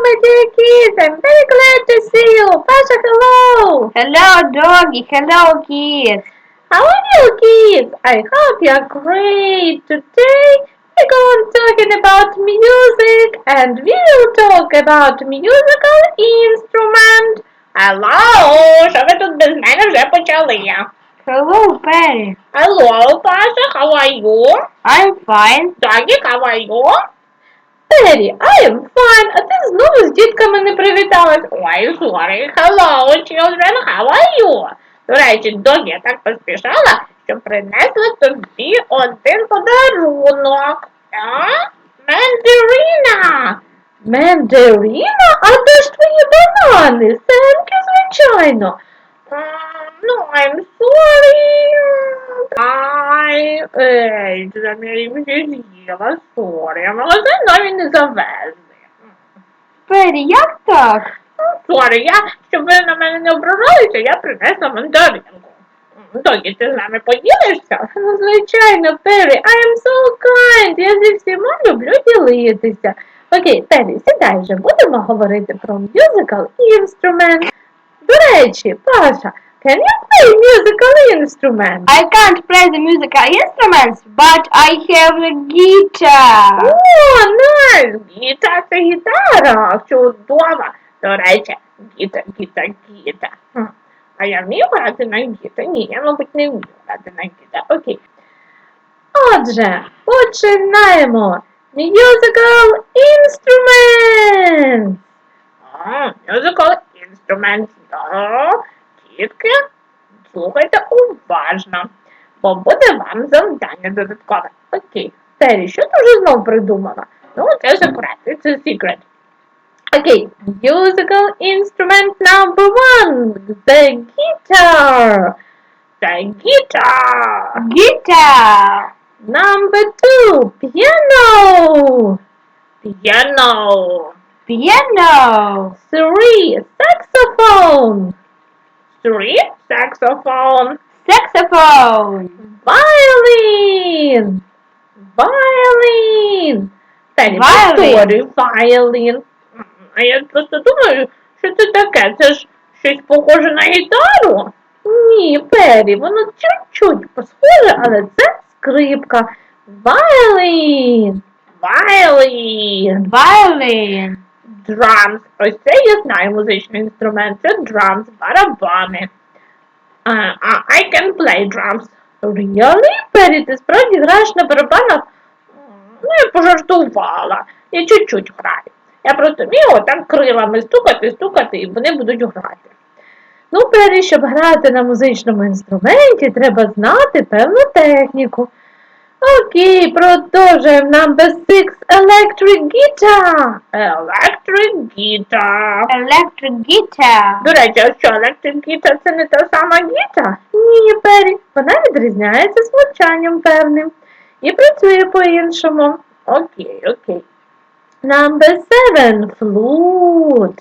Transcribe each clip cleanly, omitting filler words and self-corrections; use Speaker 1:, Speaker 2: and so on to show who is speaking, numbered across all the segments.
Speaker 1: my dear kids. I'm very glad to see you. Pasha, hello.
Speaker 2: Hello, doggy. Hello, kids.
Speaker 1: How are you, kids? I hope you're great. Today we're going talking about music, and we will talk about musical instrument. Hello, що ви тут без мене вже почали?
Speaker 2: Hello, Perry.
Speaker 1: Hello, Pasha, how are you?
Speaker 2: I'm fine.
Speaker 1: Doggy, how are you? Террі, I am fine, а ти знову з дітками не привіталась. Ой, sorry. Hello, children, how are you? До речі, Догі, я так поспішала, що принесла тобі один подарунок. Мандарина. Мандарина? А де ж твої банани? Семки, звичайно. I'm sorry. Я їм вже з'їла, sorry. Магазин навіть не завезли.
Speaker 2: Перрі, як так?
Speaker 1: Sorry, щоб ви на мене не ображалися, я принесла мандаринку. Догі, ти з нами поділишся? Ну, звичайно, Перрі, I am so kind. Я зі всіма люблю ділитися. Окей, Перрі, сідай вже, будемо говорити про musical instrument. До речі, Паша, can you play musical instrument?
Speaker 2: I can't play the musical instruments, but I have a guitar.
Speaker 1: О, nice! Гіта – це гітара. Чудово. До речі, гіта. А я вмію грати на гіта? Ні, я, мабуть, не вмію грати на гіта. Окей. Отже, починаємо. Musical instruments. Musical instruments. Дітки, слухайте уважно, бо буде вам завдання додаткове. Окей. Террі, що ти вже знов придумала? Ну, це секрет, це secret. Окей. Musical instrument number one. The guitar. The guitar.
Speaker 2: Guitar.
Speaker 1: Number two. Piano.
Speaker 2: Piano.
Speaker 1: Three. Saxophone. Saxophone. Violin. Террі, повторюй, violin. А я просто думаю, що це таке? Це ж щось похоже на гітару? Ні, Перрі, воно чуть-чуть схоже, але це скрипка. Violin. Drums. Ось це я знаю музичний інструмент. Це drums, барабани. I can play drums. Really? Перрі, ти справді граєш на барабанах? Ну, я пожартувала. Я чуть-чуть граю. Я просто вмію отак крилами стукати, і вони будуть грати. Ну, Перрі, щоб грати на музичному інструменті, треба знати певну техніку. Окей, продовжуємо. Number 6. Electric guitar. До речі, а що, electric guitar це не та сама гіта? Ні, Перрі, вона відрізняється звучанням певним і працює по-іншому. Окей. Number 7. Flute.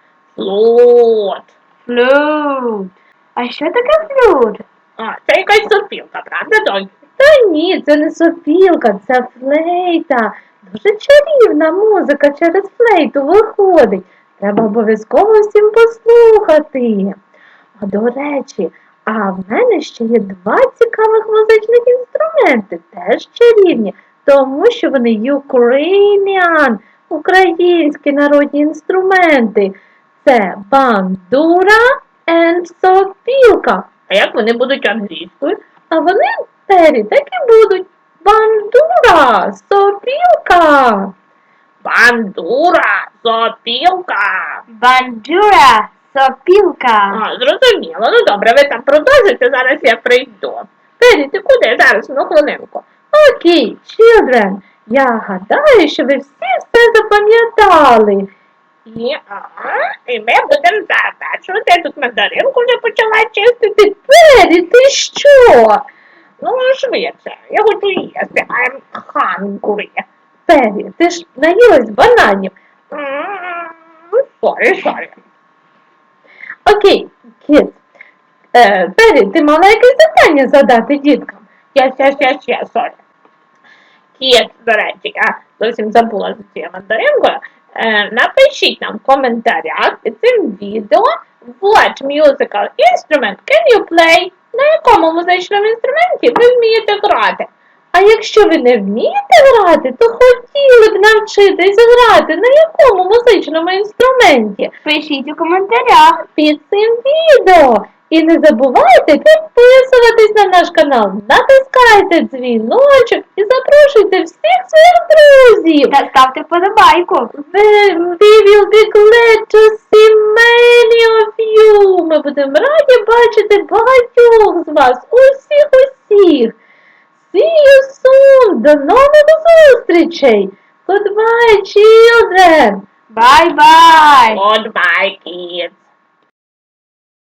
Speaker 2: А що таке флют?
Speaker 1: Це якась сопілка, правда, Догі? Та ні, це не сопілка, це флейта. Дуже чарівна музика через флейту виходить. Треба обов'язково всім послухати. А до речі, в мене ще є 2 цікавих музичних інструменти, теж чарівні, тому що вони Ukrainian, українські народні інструменти. Це бандура and сопілка. А як вони будуть англійською? А вони, Террі, так і будуть. Бандура, сопілка. Зрозуміло. Ну добре, ви там продовжуйте, зараз я прийду. Террі, ти куди? Зараз, хвилинку. Окей, children, я гадаю, що ви всі все запам'ятали. І ми будемо завершувати. Я тут мандаринку вже почала чистити. Террі, ти що? Ну, швидше, я хочу їсти. I'm hungry. Террі, ти ж наїлась бананів. Sorry. Окей, kids. Террі, ти мала якесь завдання задати діткам? Sorry. Kids, до речі, я зовсім забула за цією мандаринкою. Напишіть нам в коментарях під цим відео what musical instrument can you play? На якому музичному інструменті ви вмієте грати? А якщо ви не вмієте грати, то хотіли б навчитись грати на якому музичному інструменті?
Speaker 2: Пишіть у коментарях.
Speaker 1: Під цим відео. І не забувайте підписуватись на наш канал, натискайте дзвіночок і запрошуйте всіх своїх друзів.
Speaker 2: Та ставте вподобайку.
Speaker 1: We will be glad to see many of you. Ми будемо раді бачити багатьох з вас, усіх. See you soon. До нових зустрічей. Goodbye, children.
Speaker 2: Bye-bye.
Speaker 1: Goodbye, kids.